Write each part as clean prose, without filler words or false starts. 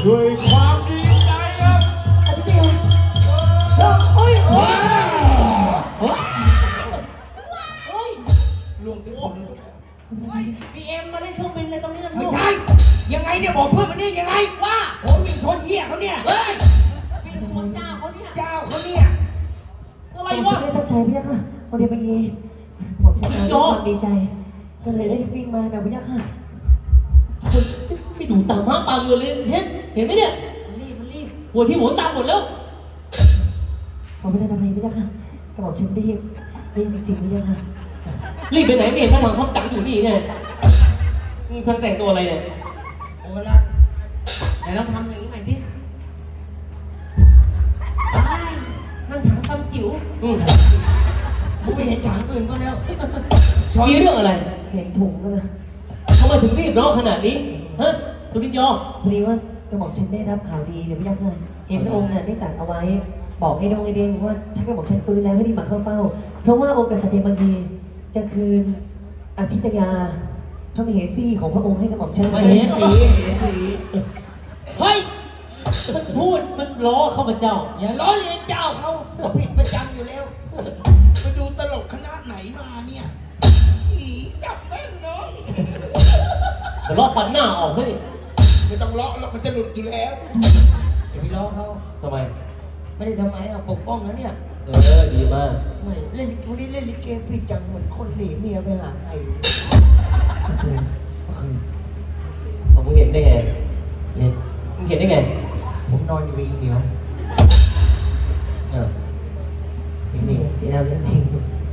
ด้วยความดีใจครับอาทิตย์เดียวโอ้ยลวงที่คนพีเอ็มมาเล่นเครื่องบินเลยตรงนี้นะไม่ใช่ยังไงเนี่ยบอกเพื่อนมันนี่ยังไงว่าโอ้ยยิงชนเหี้ยเขาเนี่ยเฮ้ยพี่ชนเจ้าเขาเนี่ยเจ้าเขาเนี่ยอะไรผมวะไม่ได้ตั้งใจพี่ยักษ์ค่ะวันเดียวไปยีผมชนะด้วยความดีใจ ก็เลยได้วิ่งมาแบบพี่ยักษ์ค่ะคนไม่ดูตามม้าตาเรือเลยเห็นไหมเนี่ยมันรีบหัวที่หัวตามหมดแล้วผมไม่ได้ทำอะไรพี่ยักษ์ค่ะกระบอกฉันรีบจริงๆพี่ยักษ์ค่ะรีบไปไหนไม่เห็นพระถังทับจังอยู่นี่ไงมึงทั้งแต่งตัวอะไรเนี่ยโอ้ละไหนลองทำอย่างนี้ใหม่ดินั่งถังซ้ำจิ๋วกูไปเห็นฉากอื่นก็แล้วมีเรื่องอะไรเห็นถุงก็เลยทำไมถึงรีบร้อนขนาดนี้ฮะสุรินทร์ยอพอดีว่ากระบอกฉันได้รับข่าวดีเดี๋ยวพี่ยักษ์ค่ะเห็นพระองค์เนี่ยได้ตรัสเอาไว้ บอกให้ดงไอเด้งว่าถ้ากระบอกฉันฟื้นแล้วให้รีบมาเข้าเฝ้า เพราะว่าองค์กษัตริย์บางทีจะคืนอาทิตยาพระมเหสีของพระองค์ให้กระบอกฉันมาเห็นสีเฮ้ยมันพูดมันล้อข้าพเจ้าอย่าล้อเลียนเจ้าเขาผิดประจำอยู่แล้วไปดูตลกคณะไหนมาเนี่ยจับแม่นเนาะมันล้อฟันหน้าออกเฮ้ยไม่ต้องเลาะแล้วมันจะหลุดอยู่แล้วอย่าไปล้อเขาทำไมไม่ได้ทำไมเอาปกป้องนะเนี่ยดีมากไม่เล่นวันนี้เล่นลิเกผิดจังเหมือนคนหนีเมียไปหาใครมึงเห็นได้ไงมึงเห็นได้ไงผมนอนอยู่กับอีเหมียวนี่นี่ที่เราเล่นจริง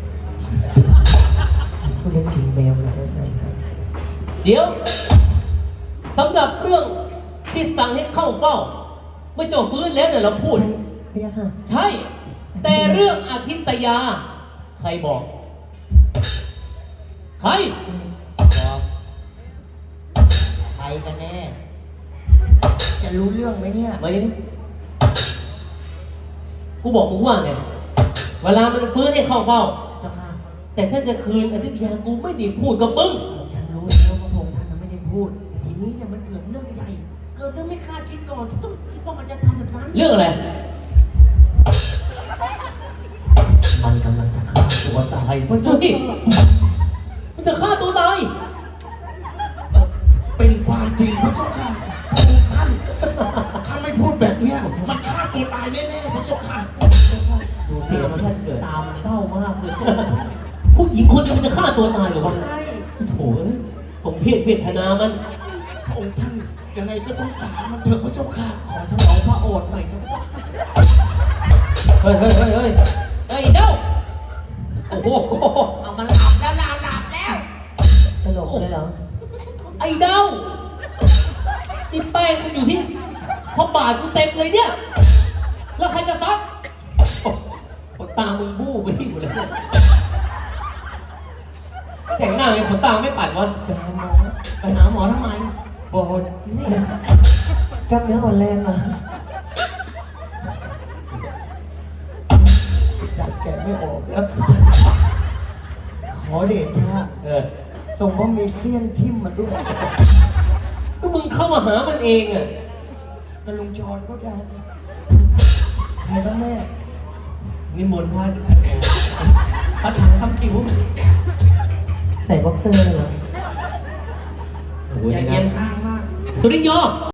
คุณเล่นจริงแมวนะเดี๋ยวสำหรับเรื่องที่สั่งให้เข้าเฝ้าเมื่อเจ้าฟื้นแล้วเนี่ยเราพูดพี่ยักษ์ค่ะใช่ แต่เรื่องอาทิตยา ใครบอก ใครบอกใครกันแน่ จะรู้เรื่องไหมเนี่ยมาดิกูบอกมึงว่าไงเวลามันฟื้นให้เข้าเฝ้าเจ้าค่ะแต่ถ้าจะคืนอาทิตยากูไม่ได้พูดกับมึงฉันรู้แล้วว่าพระองค์ท่านไม่ได้พูดแต่ทีนี้เนี่ยมันเกิดเรื่องใหญ่เกิดเรื่องไม่คาดคิดก่อนฉันต้องคิดว่ามันจะทำแบบนั้นเรื่องอะไรมันกำลังจะฆ่าตัวตายมันจะมันจะฆ่าตัวตายเป็นความจริงพระเจ้าค่ะพระองค์ท่านถ้าไม่พูดแบบเนี้ยมันฆ่าตัวตายแน่ๆพระเจ้าค่ะดูเสียงท่านเกิดตามเศร้ามากเลยผู้หญิงคนจะฆ่าตัวตายเหรอวะโถ่สมเพศเวทนามันพระองค์ท่านยังไงก็สงสารมันเถอะพระเจ้าค่ะขอฉลองพระโอษฐ์หน่อยนะเฮ้ยเด้าโอ้โหเอามันหลับแล้วหลับแล้วสลบเลยเหรอไอ้เด้านี่แป้งมันอยู่ที่พอบาทกูเต็มเลยเนี่ยแล้วใครจะซักขนตามึงบู้ไปที่หมดเลยแต่งหน้าไงขนตาไม่ปัดวะไปหาหมอไปหาหมอทำไมบอดนี่กล้ามเนื้ออ่อนแรงเหรอจับแกะไม่ออกแล้วขอเดชะ ส่งว่ามีเสี้ยนทิ่มมาด้วยก็มึงเข้ามาหามันเองอ่ะกระลุงชอนก็ได้ใครก็แม่นิมนต์พระถังคำจิ๋วใส่บ็อกเซอร์เลยเหรออย่าเอียงข้างมากสุรินทร์ยอ